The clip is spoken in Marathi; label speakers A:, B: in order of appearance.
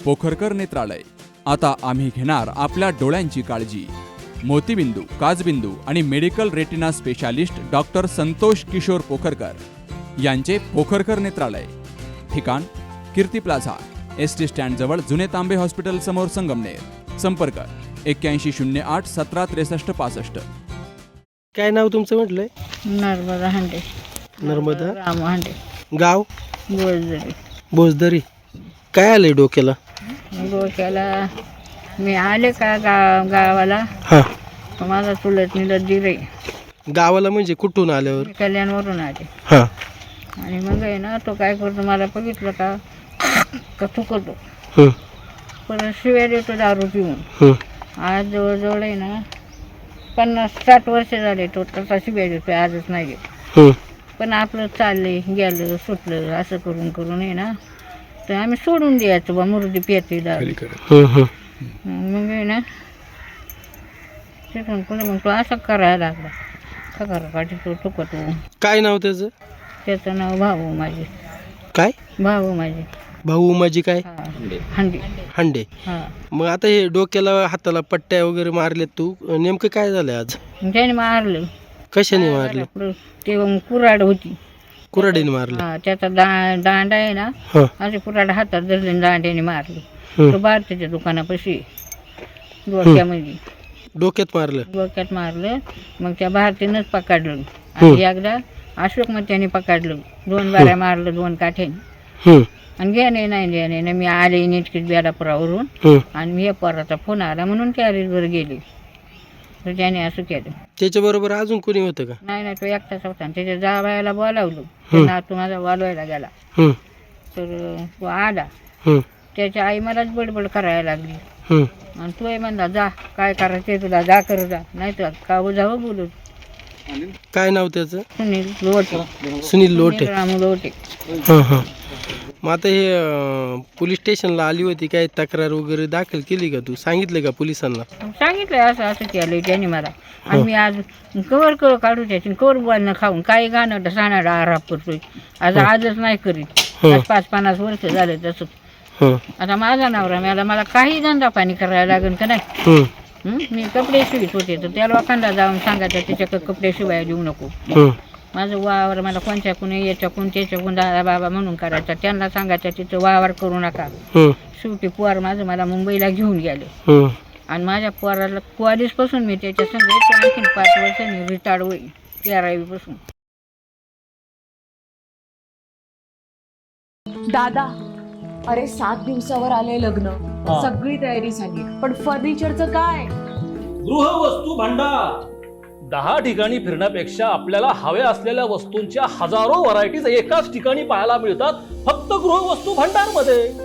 A: पोखरकर नेत्रालय. आता आम्ही घेणार आपल्या डोळ्यांची काळजी. मोतीबिंदू, काचबिंदू आणि medical retina specialist doctor Santosh Kishor Pokharkar यांचे पोखरकर नेत्रालय. ठिकाण कीर्ती प्लाझा, एसटी स्टँड जवळ जुने तांबे हॉस्पिटल समोर, संगमनेर. संपर्क 8108 17 63 65.
B: काय नाव तुमचं म्हटलंय?
C: नर्मदा हांडे.
B: नर्मदा
C: राम हांडे.
B: गाव?
C: बोलदरी.
B: भोजदरी. काय आलंय डोक्याला?
C: डोक्याला मी आले का गावाला,
B: हा.
C: तर माझा चुलत निलत दिरे.
B: गावाला म्हणजे कुठून आल्यावर?
C: मी कल्याणवरून आले.
B: हा.
C: आणि मग आहे ना, तो काय करतो, मला बघितलं का थुकतो,
B: हं,
C: परत शिव्या देतो दारू पिऊन.
B: हं,
C: आज जवळजवळ आहे ना 50-60 वर्ष झाले तो तसा शिव्या देतो, आजच नाही देत.
B: हं,
C: पण आपलं चालले गेलं सुटलं असं करून करून आहे ना, तर आम्ही सोडून द्यायचं बा, मुरुदी पेते दारू.
B: हं, हं.
C: मग आहे ना, तिथून पुढे मग तो असं करायला लागला. खकर काठी तो टुकतो.
B: काय नाव त्याचं?
C: त्याचं नाव भाऊ माझे.
B: काय?
C: भाऊ माझे.
B: भाऊ माझी काय?
C: हा. हंडी.
B: हांडे.
C: हा.
B: मग आता हे डोक्याला हाताला पट्ट्या वगैरे मारल्यात, तू नेमकं काय झालंय आज?
C: त्याने मारलं.
B: कशाने मारले?
C: ते मग कुऱ्हाड होती.
B: कुऱ्हाडीने मारले?
C: हा, त्याचा दांडा आहे ना,
B: हा.
C: असे कुऱ्हाड हातात धरले, दांड्याने मारले.
B: हं.
C: तो भारतीच्या दुकानापाशी डोक्यामध्ये.
B: डोक्यात मारलं?
C: डोक्यात मारलं. मग त्या भारतीनंच पकडलं. आणि एकदा अशोक मग त्याने पकडलं. 2 बाऱ्या मारलं 2 काठ्याने.
B: हं,
C: आणि घेणे नाही मी आले नेटकीच बेलापुरावरून.
B: हं.
C: आणि मी पोराचा फोन आला म्हणून कॅरेजवर गेले, तर त्याने असं केलं.
B: त्याच्याबरोबर अजून कोणी होतं का?
C: नाही तो एकटाच होता. आणि त्याच्या जावयाला बोलावलं. तो नातू माझा वालवायला गेला,
B: हं,
C: तर तो आला.
B: हं,
C: त्याची आई मलाच बडबड करायला लागली.
B: हं.
C: आणि तोही म्हणला, जा काय करायचं तुला, जा कर जा, नाही तर काऊ जावं बोलू.
B: काय नाव त्याचं?
C: सुनील लोटे.
B: सुनील लोटे.
C: रामू लोटे.
B: हां हां. मग आता हे पोलीस स्टेशनला आली होती, काय तक्रार वगैरे दाखल केली का? तू सांगितलं का पोलिसांना?
C: सांगितलं असं असं केलं त्याने मला. आणि मी आज कवर काढू त्याची, कवर बोलणं खाऊन काही गाणं साणाला आराप करतोय. आजच नाही करीत. 5-50 वर्ष झाले तसं.
B: हं,
C: आता माझा नवरा मला काही धंदा पाणी करायला लागेल का नाही.
B: हं,
C: मी कपडे शिवित होते, तर त्या लोकांना जाऊन सांगायचं त्याच्याकडे कपडे शिवायला देऊ नको.
B: हं,
C: माझं वावर मला कोणच्याकून याच्याकून त्याच्याकून दादा बाबा म्हणून करायचा. त्यांना सांगायचं तिथं वावर करू नका.
B: हं,
C: शेवटी पोर माझं मला मुंबईला घेऊन गेले.
B: हं.
C: आणि माझ्या पोराला कॉलेजपासून मी त्याच्या संग आणखीन 5 वर्षांनी रिटायर्ड होईल 13वीपासून.
D: दादा, अरे 7 दिवसावर आले लग्न, सगळी तयारी झाली, पण फर्निचरचं काय?
E: गृहवस्तू भांडार 10 ठिकाणी फिरण्यापेक्षा आपल्याला हव्या असलेल्या वस्तूंच्या हजारो व्हरायटीज एकाच ठिकाणी पाहायला मिळतात, फक्त गृहवस्तू भांडार मध्ये.